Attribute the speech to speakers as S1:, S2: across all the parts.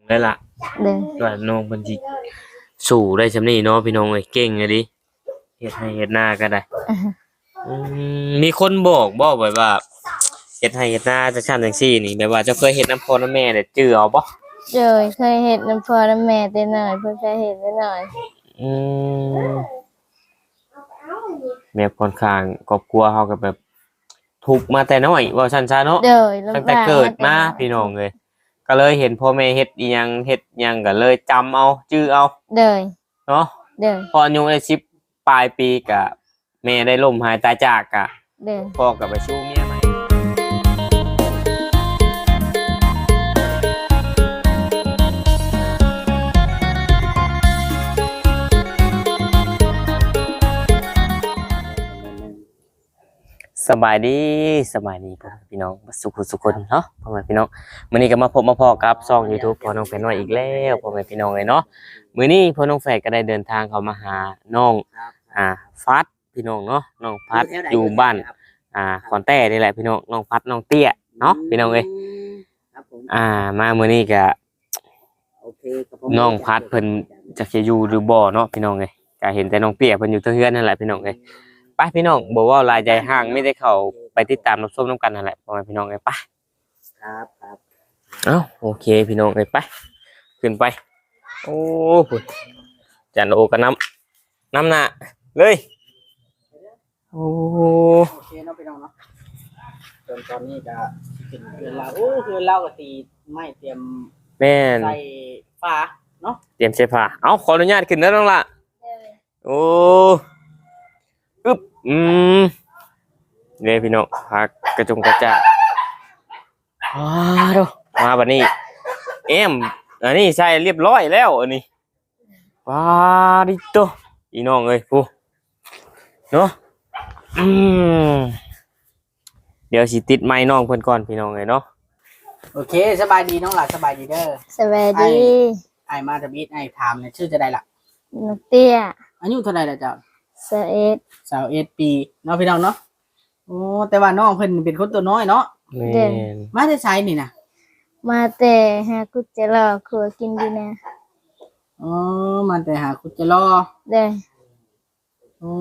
S1: ได้ล่ะ
S2: เด้อ
S1: ว่าน้องเพิ่นสิสู้ได้ซำนี้เนาะพี่น้องเอ้ยเก่งอะดิเฮ็ดให้เฮ็ดนาก็ได้มีคนบอกบ่แบบว่าเฮ็ดให้เฮ็ดนาจังซั่นจังซี่นี่แบบว่าเจ้าเคยเฮ็ดนำพ่อนำแม่ได้จื้อเอาบ่
S2: เลยเคยเฮ็ดน้ำพ่อน้ำแม่แต่น้อยเพิ่นเคยเฮ็ดแต่น้อย
S1: อืมแม่ค่อนข้างครอบครัวเฮาก็แบบทุกข์มาแต่น้อยว่าซั่นซะเนาะ
S2: เด้อ
S1: ตั้งแต่เกิดมาพี่น้องเอ้ยก็เลยเห็นพ่อแม่เฮ็ดอีหยังเฮ็ดหยังก็เลยจำเอาจื้อเอา
S2: เด้อ
S1: เนาะ
S2: เด้อ
S1: พออายุได้10ปลายปีก็แม่ได้ล้มหายตายจากก็
S2: เด้อ
S1: พ่อก็ไปสู่เมียใหม่สบายดีสบายดีพ่อพี่น้องสุขคนเนาะพ่อแม่พี่น้องมื้อนี้ก็มาพบมาพ้อกับช่อง YouTube พ่อน้องแฝดน้อยอีกแล้วพ่อแม่พี่น้องเอ้ยเนาะมื้อนี้พ่อน้องแฝดก็ได้เดินทางเข้ามาหาน้องฟัดพี่น้องเนาะน้องพัดอยู่บ้านขอนแต้นี่แหละพี่น้องน้องพัดน้องเตี้ยเนาะพี่น้องเอ้ยมามื้อนี้ก็น้องพัดเพิ่นจักสิอยู่หรือบ่เนาะพี่น้องเอ้ยก็เห็นแต่น้องเตี้ยเพิ่นอยู่เทื่อนนั่นแหละพี่น้องเอ้ยไปพี่น้องบอกว่าลายใจห่างไม่ได้เข้าไปติดตามรับชมน้ำกันนั่นแหละพ่อแม่พี่น้องเอ้ยไป
S3: ครับครับ
S1: เอ้าโอเคพี่น้องเอ้ยไปขึ้นไปโอ้พุ่นจันโอก็น้ำหน้าเลยโอ้
S3: โอเคเนาะพี่น้องเนาะตอนนี้จะเป็นเพื่อนเราคือเราก็ตีไม่เตรียม
S1: แม่น
S3: ใส่ฟ้าเนาะ
S1: เตรียมเสื้อผ้าเอ้าขออนุญาตขึ้นแล้วน้องละโอ้อึ๊บเนี่ยพี่น้องพักกระจงกระจะดูมาบัดนี้อันนี้ใส่เรียบร้อยแล้วอันนี้ว้าดิโตอีน้องเอ้ยผู้เนาะเดี๋ยวสิติดไม้น้องเพิ่นก่อนพี่น้องเอ้ยเนาะ
S3: โอเคสบายดีน้องหล่ะสบายดีเด้อ
S2: สวัสดี
S3: ไอ้มาทบิดไอ้ถามเนี่ยชื่อจะได้ล่ะ
S2: น้องเตี้ย
S3: อายุเท่าไหร่ล่ะเจ้า
S2: 21
S3: ปีเนาะพี่น้องเนาะโอ้แต่ว่าน้องเพิ่นเป็นคนตัวน้อยเนาะ
S1: แม่น
S3: มาได้ใช้นี่นะ
S2: มาแต่หากุจะรอครัวกินดีนะ
S3: อ๋อมาแต่หาคุจะรอ
S2: เด้อ
S3: โอ้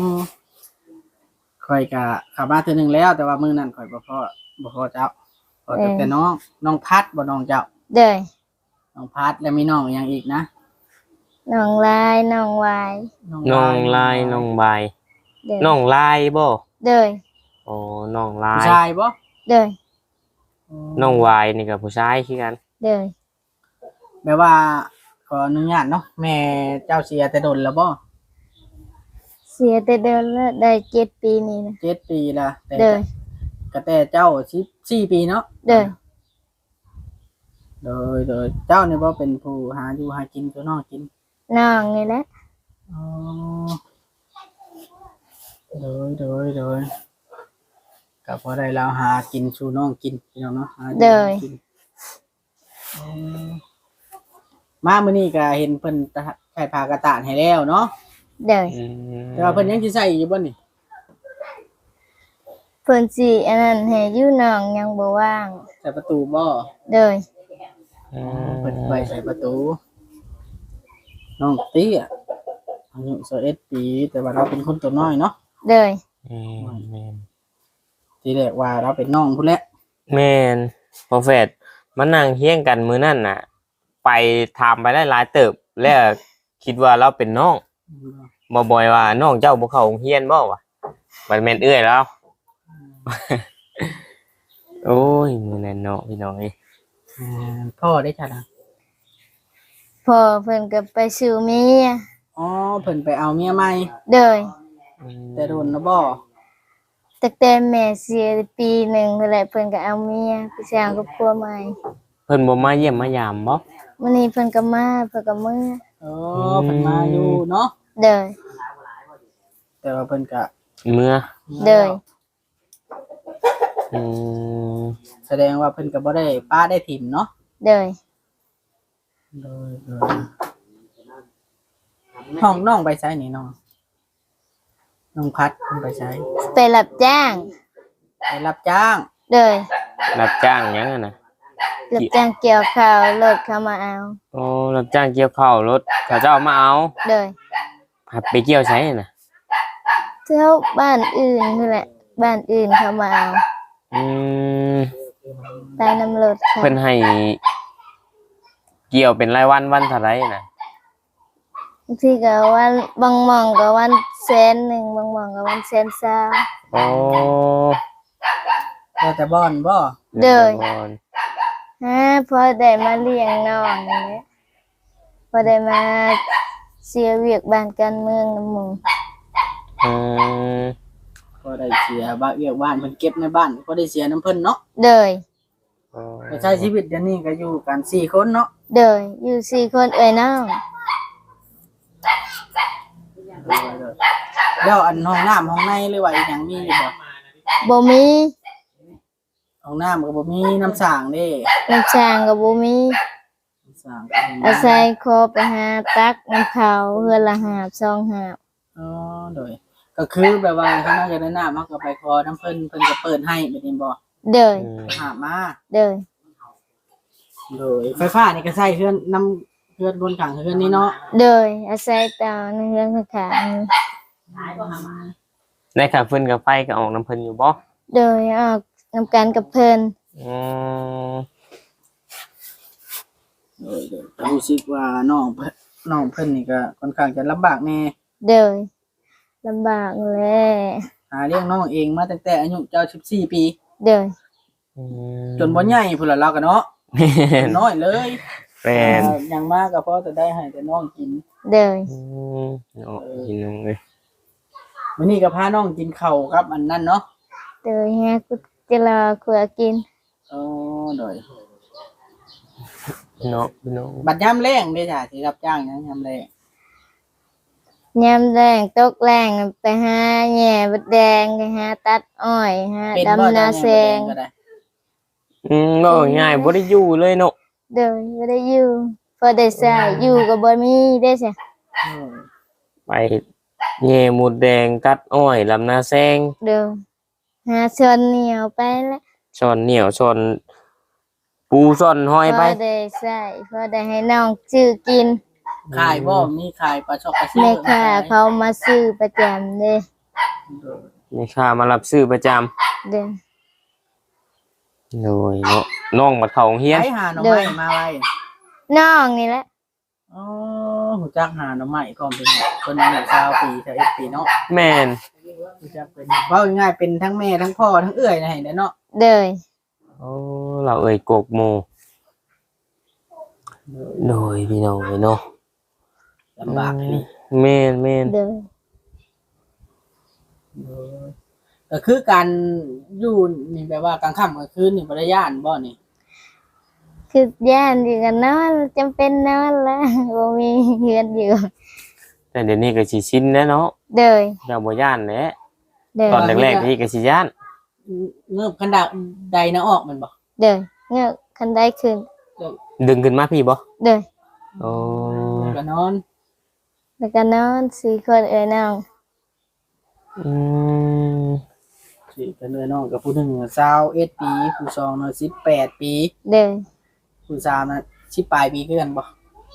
S3: ข่อยกะขับมาเทื่อนึงแล้วแต่ว่ามื้อนั้นข่อยบ่พอเจ้าพอแต่น้องพัดบ่น้องเจ้า
S2: เด้อ
S3: น้องพัดแล้วมีน้องอย่างอีกนะ
S2: น้องลายน้องวาย
S1: น้องลายน้องใบน้องลายบ่
S2: เด้อ
S1: โอ้น้องลาย
S3: ผู้ชายบ่
S2: เด้อ
S1: น้องวายนี่ก็ผู้ชายคือกัน
S2: เด้อ
S3: แปลว่าขออนุญาตเนาะแม่เจ้าเสียแต่ดนแล้วบ่
S2: เสียแต่เดินแล้วได้7 ปีนี่นะ
S3: 7 ปีละ
S2: เด้อ
S3: ก็แต่เจ้า14 ปีเนาะ
S2: เด้อ
S3: โดยเจ้านี่บ่เป็นผู้หาอยู่หากินตัวน้องกิน
S2: น้องนี่แหละ
S3: อ๋อโดยก็พอได้แล้วหากินสู่น้องกินพี่น้องเนาะหากินมามื้อนี้ก็เห็นเพิ่นใส่ผ้ากระตานให้แล้วเนาะ
S2: เด้อ
S3: แต่ว่าเพิ่นยังสิใส่อยู่บ่นี่
S2: เพิ่นสิอันนั้นให้อยู่น้องยังบ่ว่าง
S3: ใส่ประตูบ่
S2: เด้อ
S3: เพิ่นไปใส่ประตูน้องเตี้ยอายุ21 ปีแต่ว่าเราเป็นคนตัวน้อยเนาะ
S2: เด้อ
S1: แม่น
S3: ทีแรกว่าเราเป็นน้องพุ่นแหละ
S1: แม่นพอแฟดมานั่งเฮียงกันมื้อนั้นน่ะไปถามไปได้หลายเติบแล้วคิดว่าเราเป็นน้องบ่บ่อยว่าน้องเจ้าบ่เข้าโรงเรียนบ่วะมันแม่นเอื้อยแล้วโอ้ยมื้อนั้นเนาะพี่น้องเอ้ย
S3: พ่อได้จ้ะนะ
S2: พ่อเพิ่นก็ไปสู่เมีย
S3: อ๋อเพิ่นไปเอาเมียใหม่
S2: เด้อ
S3: แต่โดนนะบ่
S2: ตั้งแต่แม่เสียปีหนึ่งนั่นแหละเพิ่นก็เอาเมียไปสร้างครอบครัวใหม่
S1: เพิ่นบ่มาเยี่ยมมายามบ่
S2: มื้อนี้เพิ่นก็มาเพิ่นก็มื้อ
S3: อ๋อเพิ่นมาอยู่เนาะ
S2: เด้อ
S3: แต่ว่าเพิ่นก็
S1: เมื่อ
S2: เด้อ
S3: แสดงว่าเพิ่นก็บ่ได้ป้าได้ถิ่มเนาะ
S2: เด้อ
S3: ห้องน้องไปใช้นี่น้องพัดเพิ่นไปใช้
S2: ไปรับจ้าง
S3: ไปรับจ้าง
S2: เด้อ
S1: รับจ้างหยังน่ะ
S2: รรับจ้างเกี่ยวข้าวรถเขามาเอา
S1: โอ้รับจ้างเกี่ยวข้าวรถเขาจะเอามาเอา
S2: เลย
S1: ไปเกี่ยวใช้น่ะ
S2: เที่ยวบ้านอื่นนี่แหละบ้านอื่นเขามาเอา
S1: อืม
S2: ใต้น้ำรถค่ะ
S1: เพิ่นให้เกี่ยวเป็นรายวันวันเท่าไหร่น่ะ
S2: บางทีก็วันบางหมองก็วันแสนหนึ่งบางหมองก็วันแสนสาม
S1: โอ้
S3: แต่บ่อนบ่
S2: เด้อ
S1: ก่อน
S2: พอได้มาเลี้ยงน้องนี่แหละพอได้มาเสียเวียกบ้านการเมืองนำหมู่
S1: อืม
S3: ก็ได้เสียบ้านเวียกบ้านเพิ่นเก็บในบ้านก็ได้เสียน้ำเพิ่นเนาะ
S2: เดย
S3: แต่ใช้ชีวิตเดี๋ยวนี้ก็อยู่กัน4คนเนาะ
S2: เดยอยู่สี่คนเอ้ยน้อง
S3: แล้วอันห้องน้ำห้องในหรือว่าอีหยังมีอยู่บ่
S2: บ่มี
S3: ห้องน้ำก็บ่มีน้ำสร้างเด้
S2: น้ำช้างก็บ่มี
S3: น้ำสร้างก็บ่มี
S2: อาศัยขอไปหาตักน้ำเขาเฮือนละหาบสองหาบ
S3: อ๋อโดยก็คือแบบว่าถ้าเราจะได้น้ำมันก็ไปขอน้ำเพิ่นเพิ่นก็เปิดให้แบบนี้บ่
S2: เดย
S3: หามา
S2: เดย
S3: โดยไฟฟ้านี่ก็ใช้เฮือนน้ำเฮือนบนข้างเฮือนนี้เนาะ
S2: เดยอาศัยเตาในเฮือนข้าง
S1: ได้ค่าฟืนกับไฟก็ออกน้ำเพิ่นอยู่บ่
S2: ๆเดยออกนำกันกับเพิ่น
S1: อืม
S3: โดยรู้สึกว่าน้องเพิ่นนี่ก็ค่อนข้างจะลำบากแน่
S2: เดยลำบากแหละ
S3: หาเลี้ยงน้องเองมาตั้งแต่อายุเจ้า14ปี
S2: เดย
S3: จนบ่ใหญ่พุ่นละเราก็เนาะ
S1: แม่น
S3: น้อยเลย
S1: แม่น
S3: อย่างมากก็พอจะได้ให้แต่น้องกิน
S2: เดย
S1: อืมโอ้กินนมเลย
S3: มื้อนี้ก็พาน้องกินข้าวครับอันนั้นเนาะ
S2: เดยแฮกุจะรอขัวกิน
S3: อ๋อโดย
S1: เนาะพี่น้อง
S3: บัดยามแรงเด้จ้ะสิรับจ้างหยังยามแรง
S2: ยามแรงตกแรงไปหาแหน่บดแดงไปหาตัดอ้อยหา
S3: เป็นบ่
S2: ดำนา
S3: จ้ะ
S2: แซง
S3: ก็ได้
S1: บ่ง่ายบ่ได้อยู่เลยเนาะ
S2: เดินบ่ได้อยู่พอได้ใช้อยู่ก็บ่มีได้ใช่
S3: อืม
S1: ไปแง่หมดแดงตัดอ้อยลำนาแซง
S2: เดินหาชนเหนียวไปแล้ว
S1: ช้อนเหนียวช้อนปูช้อนห้อย
S2: พ
S1: ไป
S2: อได้ใช้พอได้ให้น้องซื้อกิน
S3: ขายบ่มีขายปลาชอกปลาซิว
S2: แม่ค้าเขามาซื้อประจำเด้
S1: นี่ค่ามารับซื้อประจำ
S2: เดิน
S1: โดยเนาะน้องมาเข้าโรงเรียน
S3: ไปหาหน่อไม้มาไว้
S2: น้องนี่แหละ
S3: อ๋อหูจักหาหน่อไม้พร้อมเป็นคนอายุ20ปี21ปีเนาะ
S1: แม่น
S3: หูจักเป็นเว้าง่ายๆเป็นทั้งแม่ทั้งพ่อทั้งเอื้อยนะให้เนาะ
S2: เดิน
S1: โอ้เราเอ่ยกกโมโดยพี่น้องเนาะ
S3: ลำบากนี่
S1: แม่นแม่น
S2: เดิน
S3: ก็คือการอยู่นี่แปลว่ากลางค่ำกลางคืนนี่บ่ได้ย่านบ่นี่
S2: คือย่านอยู่กันนอนจำเป็นนอนแล้วบ่มีเฮือนอยู่
S1: แต่เดี๋ยวนี้ก็สิชินแล้วเนาะ
S2: เดิน
S1: เจ้าบ่ย่านแหละ
S2: เดิน
S1: ตอนแรกๆนี่ก็สิย่าน
S3: เงือบคันดาใดนะออกมันบ่
S2: เดินเงือกคันได้ขึ้น
S1: ดึงขึ้นมาพี่บ่
S2: เดิน
S1: โอ้
S3: ก็นอน
S2: แล้วก็นอนสี่คนเอ้ยน้อง
S1: อืม
S3: สิกันเลยน้องกับผู้หนึง21ปีผู้สองน่ะ18ปี
S2: เดิน
S3: ผู้สามน่ะ10ปลายปีคือกันบ่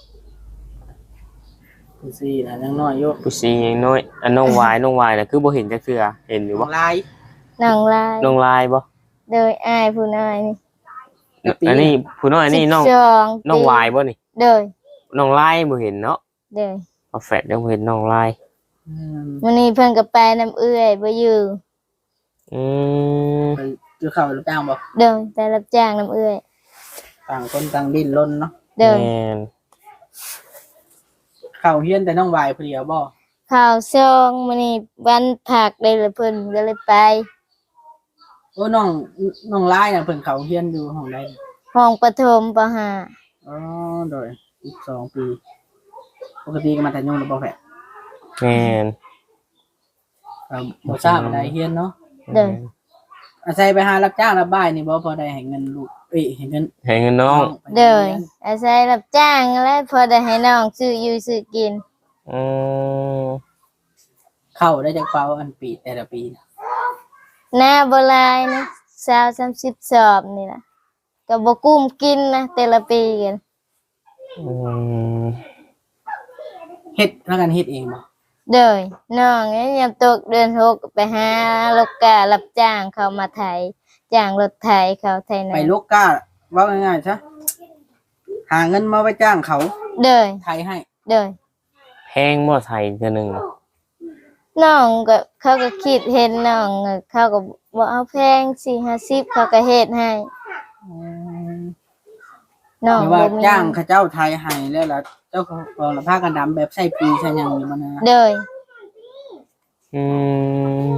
S3: ผู้สี่น่ะยังน้อยอยู่
S1: ผู้ซียังน้อยอันน้องวายน่ะคือบ่เห็นจักเทื่อเห็นอยู่
S3: ข
S1: บ่
S3: องลาย
S2: น้องลาย
S1: น้องลายบ่
S2: โดยอ้ายผู้น้อยนี่
S1: อันนี้ผู้น้อยนี่น้อง
S2: 12
S1: น้องวายบ่นี่
S2: โดย
S1: น้องลายบ่เห็นเนาะ
S2: โดย
S1: เอาแฟดยังบ่เห็นน้องลาย
S3: อืม
S2: มื้อนี้เพิ่นก็ไปน้ำเอื้อยบ่อยู่
S1: อืม
S3: ไปเจอข้าวรับจ้างบ่
S2: โดยไปรับจ้างน้ำเอื้อย
S3: ต่างคนต่างดิ้นรนเนาะ
S2: โดย
S1: แม่น
S3: ข้าวเฮียนแต่น้องวายผู้เดียวบ่
S2: ข้าวซองมื้อนี้วันผักได้ละเพิ่นก็เลยไป
S3: โอ้น้องลายน่ะเพิ่นเข้าเฮียนอยู่ห้องใด
S2: ห้องประถมปห้า
S3: อ๋อโดย12ปีปกติก็มาแต่ยงแล้วบ่แฝด
S1: แม่น
S3: บ่ทราบอะไรเฮียนเนาะ
S2: โดย
S3: อาศัยไปหารับจ้างรับบ่ายนี่บ่พอได้ให้เงินลูกให้เงิน
S1: ให้เงินน้อง
S3: ไป
S2: โด
S3: เรี
S2: ย
S3: น
S2: อาศัยรับจ้างและพอได้ให้น้องซื้ออยู่ซื้อกิน
S1: อืม
S3: เข้าได้จากเป้าอันปีแต่ละปีน่ะ
S2: หน้าบ่หลายนะ20-30สอบนี่ล่ะก็บ่กุ้มกินนะแต่ละปีกัน
S1: อืม
S3: เฮ็ดแล้วกันเฮ็ดเองบ่
S2: เด้ยน้องเนี่ยยามตกเดือน6ไปหาลูกค้ารับจ้างเขามาไถจ้างรถไถเขาไถนา
S3: ไปลูกก้าเว้าง่ายๆซะหาเงินมาไว้จ้างเขา
S2: เด้ย
S3: ไทยให้
S2: เด้ย
S1: แพงบ่ไทยเทื่อหนึง
S2: น้องก็เขาก็คิดเห็นน้องเขาก็บ่เอาแพง4-50เขาก็เฮ็ดให้น้อง
S3: หรือว่า
S2: บ่มี
S3: จ้างเขาเจ้าไทยให้แล้วล่ะเจ้าของละผ้ากันดำแบบใส่ปีใส่หยังอยู่มันนะ
S2: เด้ย
S1: อืม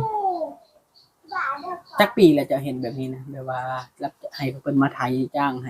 S3: จักปีแล้วจะเห็นแบบนี้นะแบบว่ารับให้เพิ่นมาไทยจ้างให้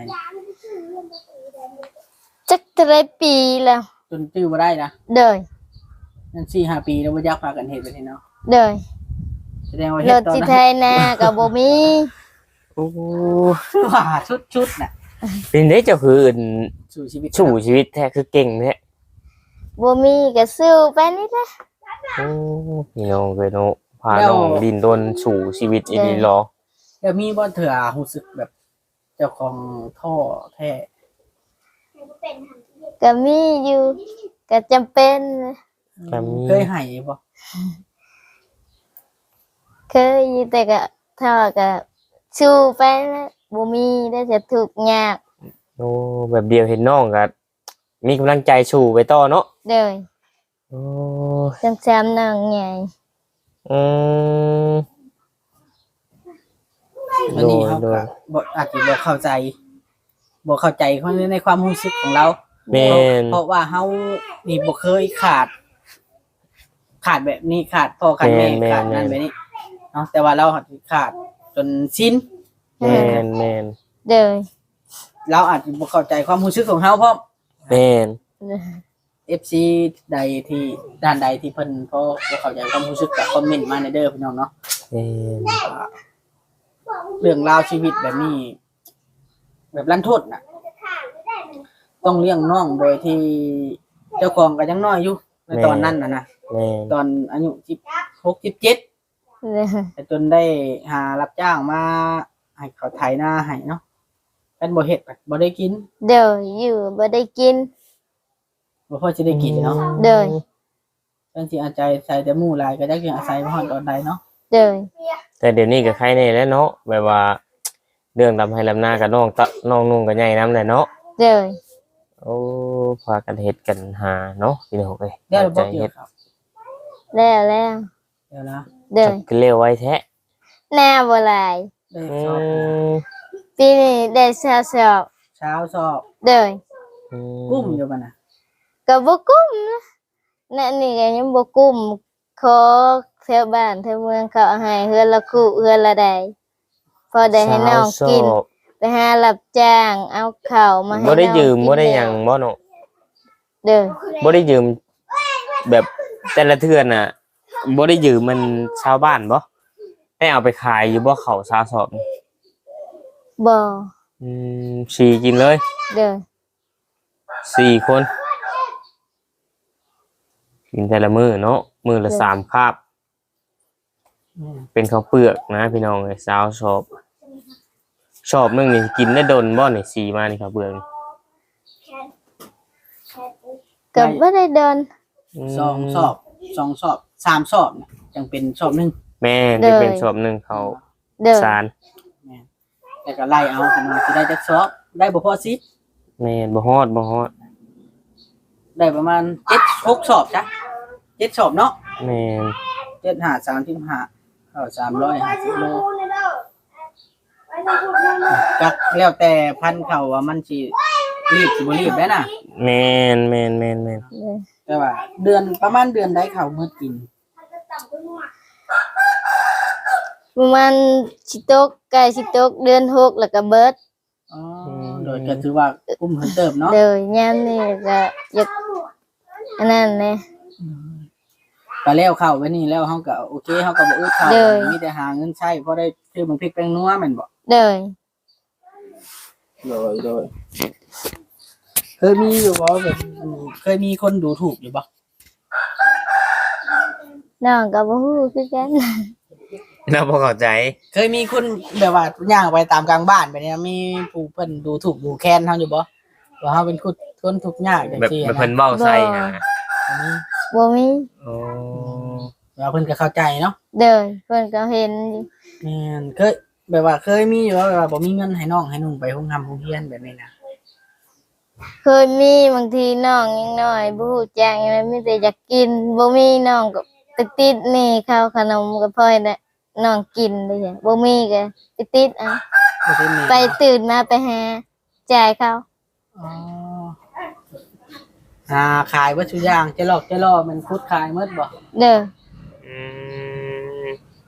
S2: จักเท่าไรปีแล้ว
S3: จนชื่อบ่ได้นะ
S2: เด้ย
S3: นั่น4-5 ปีแล้วบ่อยากพากันเฮ็ดแบบนี้เนาะ
S2: เด้ย
S3: แสดงว่า
S2: ร
S3: เฮ็ด
S2: ถ
S3: ตอน
S2: สิ
S3: นั้
S2: ไท
S3: น
S2: ยนาก็บ่มี
S1: โอ้
S3: ว่าชุดน่ะ
S1: เป็นได้เจ้าคืออื่น
S3: สู่ชีวิต
S1: สู่ชีวิตแท้คือเก่งแท้
S2: บ่มีก็สู้ไปนี่แหละ
S1: โอ้พี่น้องเอ้ยเนาะพาน้องดินรนสู่ชีวิตอีหลีหรอ
S3: แล้วมีบ่เถื่อรู้สึกแบบเจ้าของท่อแท้
S2: ก็มีอยู่ก็จำเป็นนะ
S1: ก็มี
S3: เคยให้บ่
S2: เคยอยู่แต่ก็ถ้าก็สู้ไปนะบ่มีได้จะทุกข์ยาก
S1: โอ้แบบเดียวเห็นน้องก็มีกำลังใจสู่ไปต่อเนาะ
S2: เด้ย
S1: โอ้
S2: จังซำน้องใหญ่
S1: อืม
S3: อันนี้เขา
S1: โด
S3: ก็
S1: ย
S3: บ่อาจจะบ่เข้าใจเขาในความรู้สึกของเรา
S1: แม่น
S3: เพราะว่าเฮานี่บ่เคยขาดแบบนี้ขาดพ่อขาดแม่
S1: แม่น
S3: ขาดนั่นแบบนี้เนาะแต่ว่าเราขาดจนสิ้น
S1: แม่นแม่น
S2: เด้ย
S3: เราอาจจะบ่เข้าใจความรู้สึกของเฮาเพราะ
S1: แม่น
S3: FC ใดที่ด้านใดที่เพิ่นพอบ่เข้าใจความรู้สึกก็คอมเมนต์มาในเด้อพี่น้องเนาะ
S1: แม่น
S3: เรื่องราวชีวิตแบบนี้ แบบรันทดน่ะ ต้องเลี้ยงน้องโดยที่เจ้าของก็ยังน้อยอยู่ในตอนนั้นน่ะนะ
S1: แม่น
S3: ตอนอายุ16 17
S2: เด้ย
S3: แต่จนได้หารับจ้างมาให้เขาไถนาให้เนาะเป็นบ่เฮ็ดก็บ่ได้กิน
S2: เด้ยอยู่บ่ได้กิน
S3: บ่พอสิได้กินเนาะ
S2: เด้ย
S3: จังสิอาศัยใส่แต่หมู่หลายก็จักสิอาศัยบ่ฮอดตอนใดเนาะ
S2: เด้ย
S1: แต่เดี๋ยวนี้ก็ใครแน่แล้วเนาะแบบว่า เรื่องทำให้ลำหน้ากับน้องน้องนุ่งกับใหญ่น้ำแหละเนาะ
S2: เด้ย
S1: โอ้พากันเฮ็ดกันหาเนาะพี่น้องเอ้ย
S3: เดี๋ยว
S1: ใจ
S3: บ่เกี่ย
S1: เฮ็
S3: ว
S1: ด
S3: ครับ
S2: แล้วแล้ว
S3: เดี๋ยวนะ
S2: เด้ย
S1: จะเร็วไว้แท้
S2: หน้าบ่หลาย
S3: ได้
S1: อื
S3: สอบ
S1: ม
S2: ปีนี้ได้สอบ
S3: เช้าสอบ
S2: เด้ย
S3: กุ้มอยู่บ่น่ะ
S2: ก็บ่กุ้มนะนั่นนี่ก็ยังบ่กุ้มขอแถวบ้านแถวเมืองเขาเอาให้เฮือนละคู่เฮือนละใดพอได้ให้น้องกิน ไปหารับจ้างเอาข้าวมาให้
S1: บ่ได้
S2: น้อง
S1: ยืม
S2: กิน
S1: บ่ได้หยังบ่เนาะ
S2: เด้อ
S1: บ่ได้ยืมแบบแต่ละเทื่อน่ะบ่ได้ยืมมันชาวบ้านบ่ได้เอาไปขายอยู่บ่เขาซาสอบ
S2: บ่
S1: สี่กินเลย
S2: เด้อ
S1: 4 คนกินแต่ละมื้อเนาะมื้อละ3 คาบ เป็นข้าวเปลือกนะพี่น้องไอ้สาวชอบนึงนี่กินได้ดนบ่นี่สีมานี่ข้าวเปลือกนี่
S2: ก็บ่ได้เดิน
S3: สองสอบสามสอบน่ะจังเป็นสอบหนึง
S1: แม่ได้เป็นชอบนึงเขา
S2: เด้อ
S1: สาร
S3: แล้วก็ไล่เอาขึ้นมาสิได้จักสอบได้บ่พอ10
S1: แม่บ่ฮอด
S3: ได้ประมาณ7 6สอบจ้ะ7สอบเนาะ
S1: แม่น
S3: 7 5 35เข้า350โลจักแล้วแต่พันธุ์เขาว่ามันสิรีบสิบ่รีบได้น่ะ
S1: แม่น
S2: เด้อ
S3: แต่ว่าเดือนประมาณเดือนใดเขามื้อกิน
S2: ประมาณสิตกใกล้สิตกเดือน6แล้วก็เบิด
S3: อ๋อโดยก็ถือว่ากุ้มเพิ่นเติบเนาะ
S2: เด้อยามนี้ก็อยากอันนั้นแหละ
S3: ก็แล้วเข้าไว้นี่แล้วเฮาก็โอเคเฮาก็บ่อึดเข้า
S2: เด้อ
S3: มีแต่หาเงินใช้พอได้ซื้อมันพริกแป้งนัวแม่นบ่
S2: เด้อ
S3: โดยเคยมีอยู่บ่แบบเคยมีคนดูถูกอยู่บ่
S2: น้องก็บ่ฮู้คือกัน
S1: เราบ่เข้าใจ
S3: เคยมีคนแบบว่าย่างไปตามกลางบ้านไปเนี่ยมีผู้เพิ่นดูถูกดูแคลนเฮาอยู่บ่ว่าเฮาเป็นคนทุกข์ยากจัง
S1: แบบ
S3: ซี่
S1: แบบ
S3: นะ
S1: เพิ่นเว้าใส่นะ
S2: บ่มี
S1: โอ้
S3: ว่าเพิ่นก็เข้าใจเนาะ
S2: เด้อเพิ่นก็เห็นอยู่
S3: แม่นเคยแบบว่าเคยมีอยู่ว่าแบบว่าบ่มีเงินให้น้องให้นุ่งไปโรงทำโรงเรียนแบบนี้นะ
S2: เคยมีบางทีน้องยังน้อยบ่ฮู้จักหยังเลยมีแต่อยากกินบ่มีน้องก็ไปติดหนี้ข้าวขนมก็พอให้ได้น้องกินเลยจ้ะบ่มีก็ไปติดเอา
S3: บ่ได้มี
S2: ไปตื่นมาไปหาจ่ายเขา
S3: อ๋อขายวัตถุกอย่างจะหลอกจะล่อมันคุดขายหมดบ่
S2: เด้อ
S1: อืม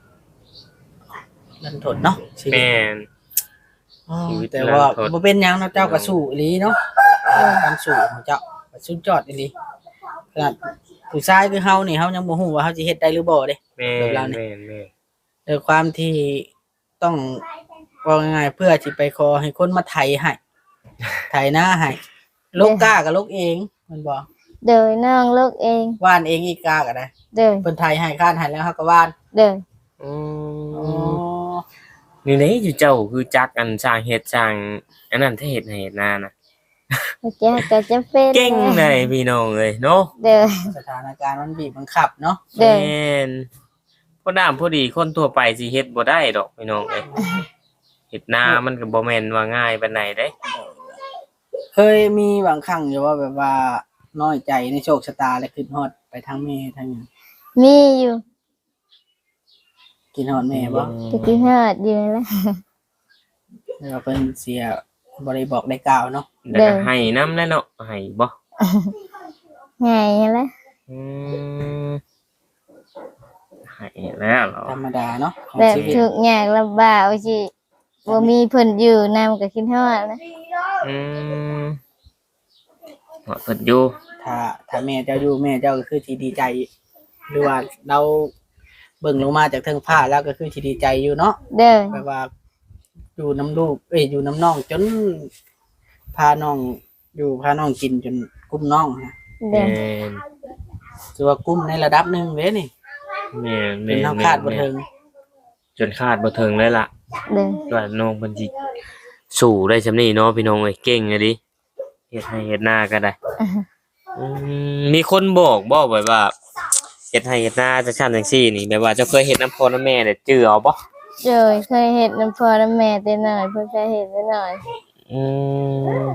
S3: ลันทดเนาะชีวิต
S1: แม่น
S3: อ๋อ
S1: ชีวิต
S3: แต่ว่า
S1: ลันทด
S3: บ่เป็นหยังเนาะเจ้าก็สู้อีหลีเนาะการสู้ของเจ้าก็สุดยอดอีหลีขนาดผู้ชายคือเฮานี่เฮายังบ่ฮู้ว่าเฮาสิเฮ็ดได้หรือบ่เด้
S1: แม่
S3: แบบเรา
S1: น
S3: เนี่ย
S1: แม่นแม่น
S3: ด้วยความที่ต้องว่าง่ายๆเพื่อที่ไปขอให้คนมาไถให้ไถหน้าให้ลกกาก็ลกเองมันบอก
S2: เด้อน้องลูกเอง
S3: ว่านเองอีกกาก็ได้
S2: เด้อ
S3: เพิ่นไถให้ข้านให้แล้วเฮาก็ว่าน
S2: เด้อ
S1: อื
S3: อ๋อ
S1: มนี่ไหนอยู่เจ้าคือจักอันสร้างเฮ็ดสร้างอันนั้นถ้าเฮ็ดให้เฮ็ดนานะ
S2: ก็จะเป็น
S1: เก่งเลยพี่น้องเอ้ยเนาะ
S2: เด้อ
S3: สถานการณ์มันบีบบังคับเนาะ
S2: เด้อ
S1: แม่นพอดามพอดีคนทั่วไปสิเฮ็ดบ่ได้ดอกพี่น้องเอ้ยเฮ็ดนามันก็บ่แม่นว่าง่ายปานใดเด้
S3: เคยมีบางครั้งอยู่ว่าแบบว่าน้อยใจในโชคชะตาและคิดฮอดไปทางแม่ทางหยัง
S2: มีอยู่
S3: คิดฮอดแม่บ่
S2: ก็กินฮอดอยู่นั่นแหละ
S3: แล้วเพิ่นเสียบ่ได้บอกได้กล่าวเนาะ
S1: แล้วก็ให้นำแหล้วเนาะให้บ่
S2: ไงนั่นแหละ
S1: อืมให้แล้วเหรอ
S3: ธรรมดาเนาะของ
S2: แบบ
S3: ชีวิต
S2: ทุกข์ยากลำบากว่าสิบ่มีเพิ่นอยู่นำก็กินฮอดนะ
S1: อืมหอดเพิ่นอยู่
S3: ถ้าแม่เจ้าอยู่แม่เจ้าก็คือที่ดีใจ หรือว่าเราเบิ่งลงมาจากเทิงฟ้าแล้วก็คือที่ดีใจอยู่เนาะ
S2: เด้อ
S3: แบบว่าอยู่น้ำลูกอยู่น้ำน้องจนพาน้องอยู่พาน้องกินจนกุ้มน้องนะ
S2: เด้อ
S1: แม่น
S3: ถือว่ากุ้มในระดับหนึงเด้นี่
S1: แม่น
S3: เป็
S1: แม่
S3: น
S1: น
S3: เฮา
S1: แม่
S3: คาด
S1: น
S3: บ่ถึง
S1: จนคาดบ่ถึงเลยล่ะ
S2: เด้อ
S1: ว่าน้องเพิ่นสิสู้ได้ซำนี้เนาะพี่น้องเอ้ยเก่งอะดิเฮ็ดให้เฮ็ดนาก็ได้อืมีคนบอกบ่แบบว่าเฮ็ดให้เฮ็ดนาจังซั่นจังซี่นี่แบบว่าเจ้าเคยเฮ็ดน้ำพ่อน้ำแม่ได้จื้อเอาบ่
S2: เด้อเคยเฮ็ดน้ำพ่อน้ำแม่แต่น้อยเพิ่นก็เฮ็ดแต่น้อย
S1: อืม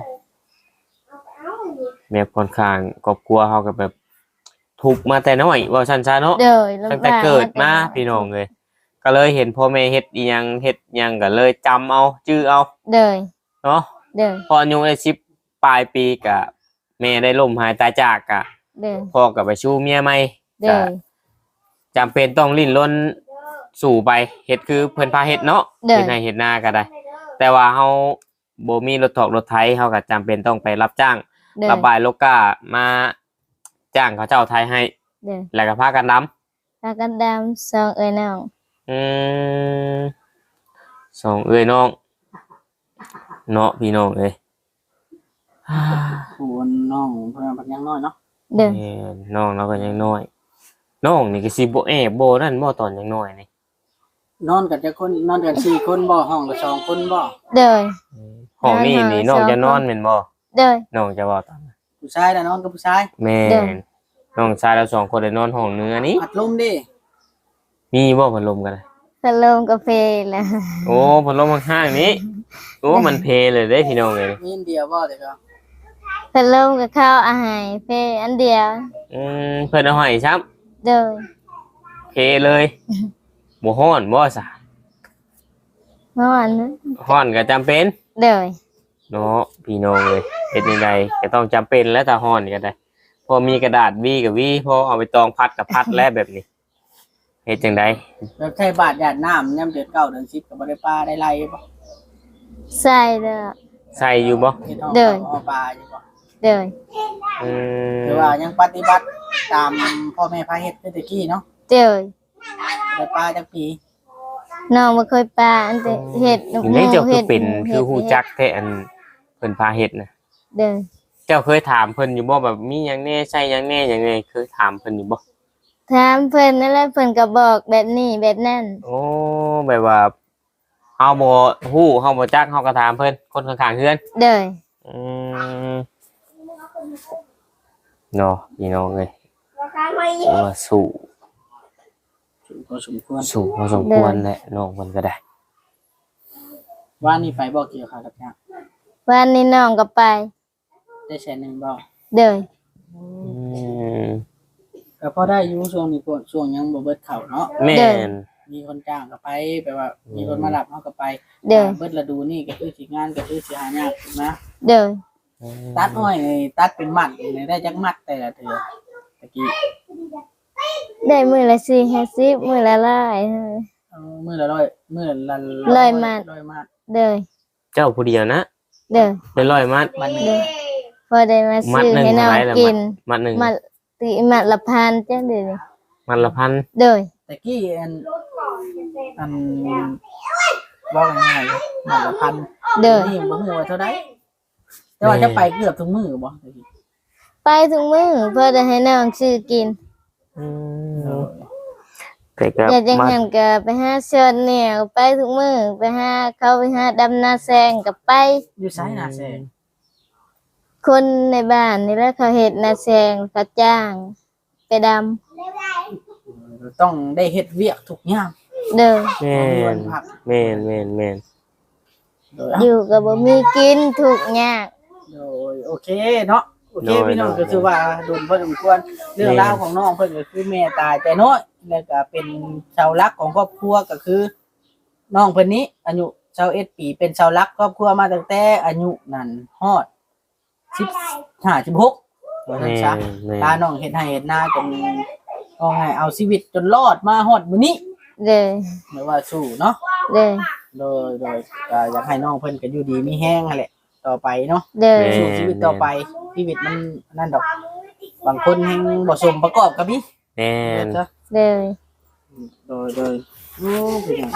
S1: แม่ค่อนข้างครอบครัวเฮาก็แบบทุกข์มาแต่น้อยว่าซั่นซะเนาะ
S2: เด้อลำบาก
S1: ตั้งแต่เกิดมาพี่น้องเลยก็เลยเห็นพ่อแม่เฮ็ดอีหยังเฮ็ดหยังก็เลยจำเอาจื้อเอา
S2: เด้อ
S1: เนาะ
S2: เด้อ
S1: พออายุได้10ปลายปีก็แม่ได้ล้มหายตายจากก็
S2: เด้อ
S1: พ่อก็ไปชู้เมียใหม่
S2: เด้
S1: ก็
S2: อ
S1: จำเป็นต้องลิ้นรนสู่ไปเฮ็ดคือเพิ่นพาเฮ็ดเนาะ
S2: เด้อ
S1: เฮ็ดให้เฮ็ดนาก็ได้ แต่ว่าเฮาบ่มีรถถอกรถไถเฮาก็จำเป็นต้องไปรับจ้าง
S2: เด้อ
S1: ระบายโลกามาจ้างเขาเจ้าไทยให้
S2: เด้อ
S1: แล้วก็พากันดำ
S2: พากันดำซองเอ้ยน้อง
S1: อืมสองเอ้ยน้องเนาะพี่น้องเอ้ย
S3: ผู้น้องเพิ่นยังน้อยเนาะ
S2: เด้อ
S1: แม่นน้องเราก็ยังน้อยน้องนี่ก็สิบ่แอบบ่นั่นบ่ตอนยังน้อยนี่
S3: นอนกันจักคนนอนกัน4คนบ่ห้องละ2คนบ่
S2: เด้อ
S1: ห้องนี้นี่น้องจะนอนแม่นบ่
S2: เด้อ
S1: น้องจะเว้าตามนั้น
S3: ผู้ชายน่ะนอนกับผู้ชาย
S1: แม่
S2: เด้อ
S1: นน้องชายเราสองคนได้นอนห้องเนื้อนี้
S3: อัดลมดิ
S1: มีบ่พัดลมกันนะ
S2: พัดลมกาแฟแล้ว
S1: โอ้พัดลมข้างๆนี้โอ้มันเพเลยเด้พี่น้องเอ้ย
S3: มีอันเดียวบ่เด้อครับ
S2: พัดลมกับข้าวอาหารเฟอันเดียว
S1: เพิ่นเอาให้ซ้ำ
S2: เด้อ
S1: เพเลยบ่ฮ้อนบ่ซะ
S2: นอนนะ
S1: ฮ้อนก็จำเป็น
S2: เด้อ
S1: เนาะพี่น้องเลยเฮ็ดยังไงก็ต้องจำเป็นแล้วถ้าฮ้อนก็ได้พอมีกระดาษวีกับวีพอเอาไปตองพัดกับพัดแล้วแบบนี้เฮ็ดจังได
S3: แบบใช้บาทหยาดน้ำยามเดือน9เดือน10ก็บ่ได้ปลาได้ไล่บ่
S2: ใส่เด้อ
S1: ใส่อยู่บ่
S3: เฮ็ดห้อง
S2: เด้อ
S3: เอาปลาอยู่บ่
S2: เด้อ
S1: อืม
S3: คือว่ายังปฏิบัติตามพ่อแม่พาเฮ็ดคือแตะกี้เนาะ
S2: เด้อ
S3: ได้ปลาจักปี
S2: น้องบ่เคยปลาอันแต่เฮ็ดลูก
S1: นี่เจ้าคือ
S2: ฮ็ด
S1: เป็น
S2: ฮ็ด
S1: คือฮู้จักแท้อันเพิ่นพาเฮ็ดนะ
S2: เด้อ
S1: เจ้าเคยถามเพิ่นอยู่บ่แบบมีหยังแน่ใช่หยังแน่หยังแน่เคยถามเพิ่นอยู่บ่
S2: ถามเพิ่นนั่นแหละเพิ่นก็บอกแบบนี้แบบนั้น
S1: โอ้แบบว่าเฮาบ่ฮู้เฮาบ่จักเฮาก็ถามเพิ่นคนข้างๆเฮือน
S2: เด้อ
S1: อืมเนาะพี่น้องเอ้ยว่าสู้
S3: พอสมควร
S1: สู้พอสมควรแหละน้องเพิ่นก็ได้
S3: ว่านี่ไปบอกเกี่ยวกับเนี่ย
S2: วันนี้น้องก็ไป
S3: ได้แสนหนึ่งบอก
S2: เด้อ
S1: อืม
S3: ก็พอได้อยู่ช่วงนี้ก่อนช่วงยังบ่เบิดเข่าเนาะ
S1: แม่น
S3: มีคนจ้างก็ไปแปลว่ามีคนมารับเขาก็ไป
S2: เด้อ
S3: เบิดฤดูนี่ก็คือสิงานก็คือสิหายากนะ
S2: เด้อ
S3: ตัดอ้อยนี่ตัดเป็นมัดนี่ได้จักมัดแต่ละเทื่อตะกี้
S2: ได้มื้อละ4-50มื้อละ100
S3: มื้อละร้อยมื้อละ
S2: ร้อยมัด
S3: ร้อยมัด
S2: เด้อ
S1: เจ้าผู้เดียวนะ
S2: เด้อ
S1: เป็นร้อยมัด
S3: มันนี่
S2: เด้อพอได้มา
S1: มัด
S2: ซื้อ
S1: หนึ่ง
S2: ให้น้อง
S1: เท่าไหร่ล่ะ
S2: กิน
S1: มัดหนึ่ง
S2: มัดติมัดละพันจ้ะเด้อ
S1: มัดละพัน
S2: เด้อ
S3: ตะกี้อันว่าไงมัดละพัน
S2: เด้อ
S3: นี่บ่ฮู้ว่าเท่าใดแต่ว่าจะไปเกือบทุกมื้อบ่ตะกี้
S2: ไปถึงมื้อเพื่อได้ให้น้องซื้อกิน
S1: อืมแต่ก็
S2: อยากจัง
S1: มัด
S2: หันก็ไปหาเชิญเนี่ยไปทุกมื้อไปหาเขาไปหาดำนาแซงก็ไป
S3: อยู่ไสน่ะแซง
S2: คนในบ้านนี่แหละเขาเฮ็ดนาแซงเขาจ้างไปดำ
S3: ต้องได้เฮ็ดเวียกทุกอย่าง
S2: เด้อ
S1: แม่นแม่นแม่นแม่น
S3: โดย
S2: อยู่ก็บ่มีกินทุกข์ยาก
S3: โดยโอเคเนาะโอเคพี่น้องก็คือว่าโดนพอสมควรเรื่องราวของน้องเพิ่นก็คือแม่ตายแต่น้อยแล้วก็เป็นเสาหลักของครอบครัวก็คือน้องเพิ่นนี้อายุ21ปีเป็นเสาหลักครอบครัวมาตั้งแต่อายุนั่นฮอด15 16ว่า
S1: แม่
S3: ซั่น
S1: น
S3: ซะ
S1: แม่น
S3: ตาน้องเฮ็ดให้เฮ็ดนาจนก็ไงเอาชีวิตจนรอดมาฮอดมื้อนี้
S2: เด้อ
S3: ไม่ว่าสู้เนาะ
S2: เด้อ
S3: โดยอยากให้น้องเพิ่นก็อยู่ดีมีแฮงนั่นแหละต่อไปเนาะ
S2: เด้อ
S3: สู้ชีวิตต่อไปชีวิตมันนั่นดอก บางคนแฮงบ่สมประกอบกับนี่
S1: แม่น
S3: จ้ะ
S2: เด้อ
S3: โดยโอ้เป็นหยัง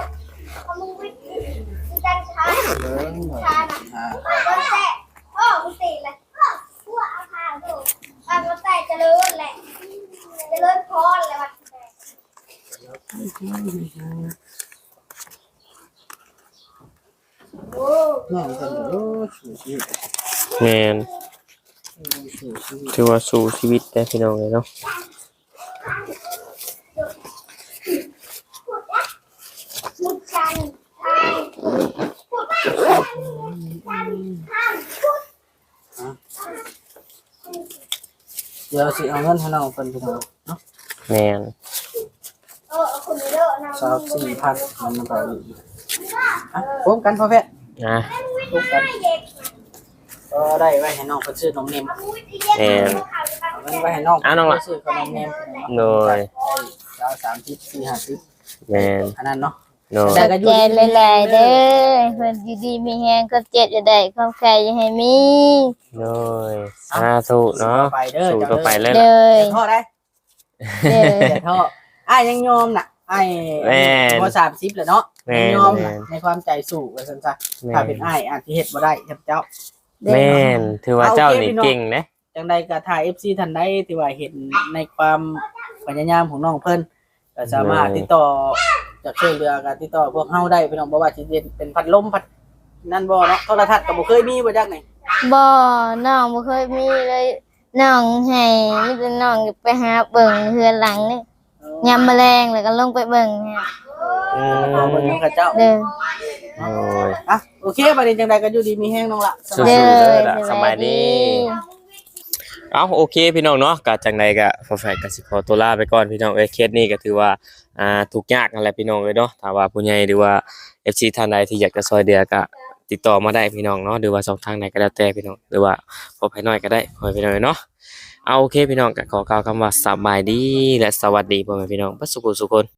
S3: อ่า น้องเพิ่นก็โอ้สู้ชีวิต
S1: แม่น
S3: สู้ชีวิต
S1: ถือว่าสู้ชีวิตได้พี่น้องเลยเนาะ
S3: เดี๋ยวสิเอาเงินให้น้องเพิ่นพี่น้องเนาะ
S1: แม่น
S3: 24,000มันก็อีกอ่ะพร้อมกันพ่อแพทย์
S1: นะ
S3: พร้อมกันก็ได้ไว้ให้น้องเพิ่นซื้อนมเนม
S1: แม่น
S3: เอาเงินไว้ให้น้อง
S1: อ่ะน้องล่ะ
S3: เพิ่นซื้อขนมเนม
S1: โดย
S3: ได้30 40
S1: แม่น
S3: 50อันนั้นเนาะ
S1: โดย
S3: ได้ก็อยู่
S2: ใจหลายๆเด้อเพิ่นอยู่ดีมีแฮงก็เจ็บจะได้ความใครอย่าให้มี
S1: โดยสาธุเนาะ
S3: ไปเด้อ
S1: สู้ต่อไปเลย
S2: เด้
S1: ล่ะ
S2: อ
S3: อย่าท้อได้
S2: เด้อ
S3: อย่าท้ออ้ายยังยอมน่ะอ้าย
S1: แม่น
S3: บ่30แล้วเนาะ
S1: แม่น
S3: ยังยอมน่ะในความใจสู้ว่าซั่นซะ
S1: แม่
S3: ถ้าเป็นอ้ายอาจสิเฮ็ดบ่ได้ครับเจ้า
S1: แม่นถือว่าเจ้านี่เก่งนะ
S3: จังใดก็ถ้า FC ท่านใดที่ว่าเห็นในความพยายามของน้องเพิ่นก็สามารถติดต่อจะช่วยเหลือก็ติดต่อพวกเฮาได้พี่น้องบ่ว่าสิเป็นพัดลมพัดนั่นบ่เนาะโทรทัศน์ก็บ่เคยมีบ่จักนี่
S2: บ่น้องบ่เคยมีเลยน้องให้มีแต่น้องไปหาเบิ่งเฮือนหลังนี่ยามแมลงแล้วก็ลงไปเบิ่งเนี่ย
S1: อืม
S3: ขอเบิ่งนำกับเจ้า
S2: เด้อ
S1: โอ้ย
S3: อ่ะโอเคบัดนี้จังใดก็อยู่ดีมีแฮงน้องละ
S1: สู้
S2: เด้
S1: ๆ
S2: อ
S1: เด้อล่ะ
S2: สบายดี
S1: เอาโอเคพี่น้องเนาะก็จังใดก็ฝากก็สิขอตัวลาไปก่อนพี่น้องเอ้ยเคสนี้ก็ถือว่าทุกข์ยากนั่นแหละพี่น้องเอ้ยเนาะถ้าว่าผู้ใหญ่หรือว่า FC ท่านใดที่อยากจะซอยเดือก็ติดต่อมาได้พี่น้องเนาะหรือว่าช่องทางไหนก็แล้วแต่พี่น้องหรือว่าพอภายน้อยก็ได้พอพี่น้องเนาะเอาโอเคพี่น้องก็ขอกล่าวคำว่าสบายดีและสวัสดีพ่อแม่พี่น้องเบ่สุขสุขคน